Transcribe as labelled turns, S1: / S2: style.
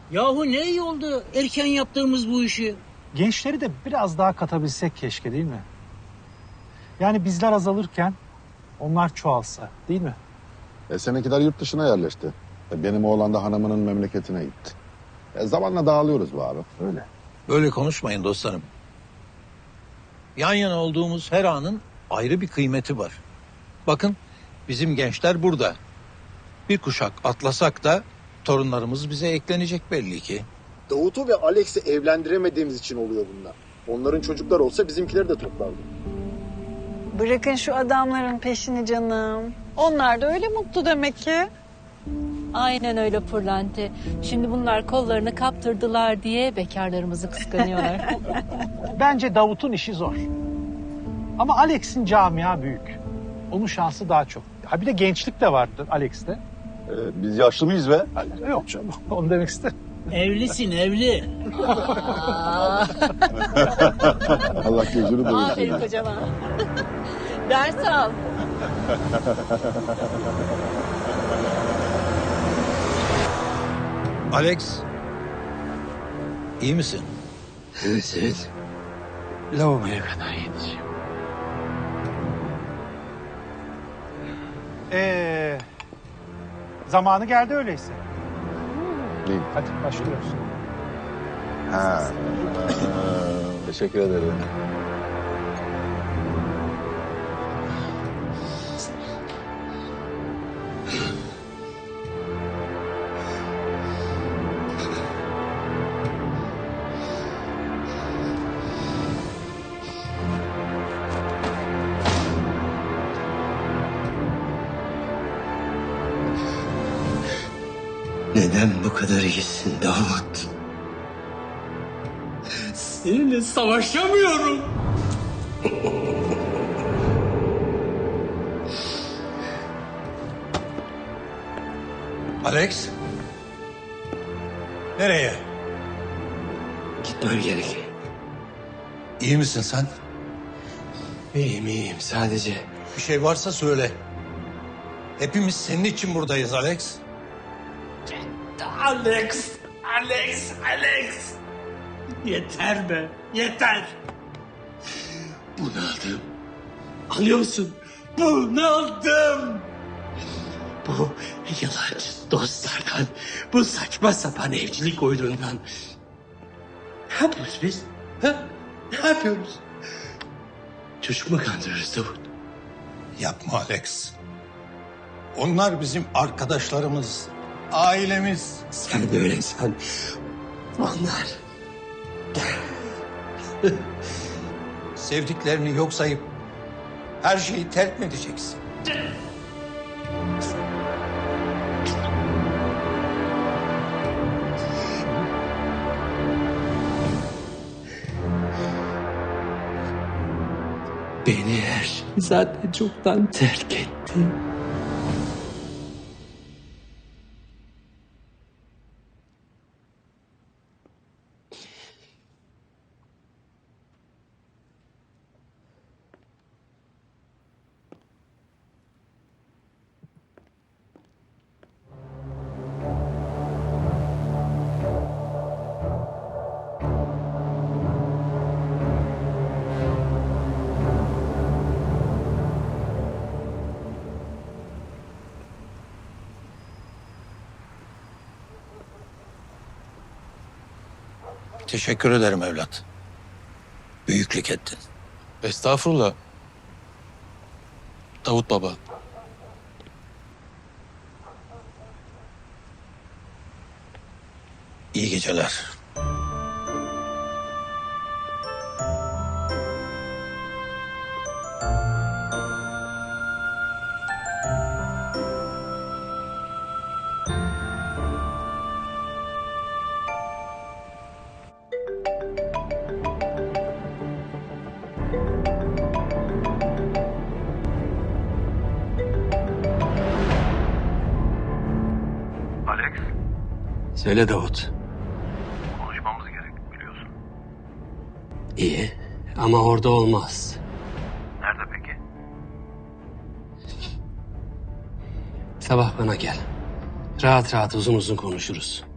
S1: Yahu ne iyi oldu erken yaptığımız bu işi.
S2: Gençleri de biraz daha katabilsek keşke, değil mi? Yani bizler azalırken onlar çoğalsa, değil mi?
S3: Seninkiler yurt dışına yerleşti. Benim oğlan da hanımının memleketine gitti. Zamanla dağılıyoruz bu abi.
S2: Öyle.
S4: Böyle konuşmayın dostlarım. Yan yana olduğumuz her anın ayrı bir kıymeti var. Bakın bizim gençler burada. Bir kuşak atlasak da torunlarımız bize eklenecek belli ki.
S5: Davut'u ve Alex'i evlendiremediğimiz için oluyor bunlar. Onların çocuklar olsa bizimkileri de toplardı.
S6: Bırakın şu adamların peşini canım. Onlar da öyle mutlu demek ki.
S7: Aynen öyle Pırlante. Şimdi bunlar kollarını kaptırdılar diye bekarlarımızı kıskanıyorlar.
S2: Bence Davut'un işi zor. Ama Alex'in camia büyük. Onun şansı daha çok. Ha bir de gençlik de vardır Alex'te.
S3: Biz yaşlı mıyız be?
S2: Yok canım, onu demek istedim.
S1: Evlisin evli.
S3: Allah gözünü doyursun.
S7: Aferin kocama. Ders al.
S4: Alex, iyi misin?
S8: Evet. Lavaboya kadar gideceğim.
S2: Zamanı geldi öyleyse.
S3: İyi.
S2: Hadi başlıyoruz.
S3: Ha. Teşekkür ederim.
S8: Neden bu kadar iyisin Davut? Seninle savaşamıyorum.
S4: Alex, nereye?
S8: Gitmem gerek.
S4: İyi misin sen?
S8: İyiyim sadece.
S4: Bir şey varsa söyle. Hepimiz senin için buradayız Alex.
S8: Alex. Yeter be, yeter. Bunaldım. Anlıyor musun? Bunaldım. Bu yalancı dostlardan, bu saçma sapan evcilik oyunundan. Ne yapıyoruz biz? Ha? Ne yapıyoruz? Çocuk mu kandırıyoruz Davut?
S4: Yapma Alex. Onlar bizim arkadaşlarımız, ailemiz.
S8: Sen de öyle san. Onlar.
S4: Sevdiklerini yok sayıp her şeyi terk mi edeceksin?
S8: Beni her şey zaten çoktan terk etti.
S4: Teşekkür ederim evlat. Büyüklük ettin.
S9: Estağfurullah. Davut baba.
S4: İyi geceler.
S8: Söyle Davut.
S10: Konuşmamız gerek biliyorsun.
S8: İyi ama orada olmaz.
S10: Nerede peki?
S8: Sabah bana gel. Rahat rahat uzun uzun konuşuruz.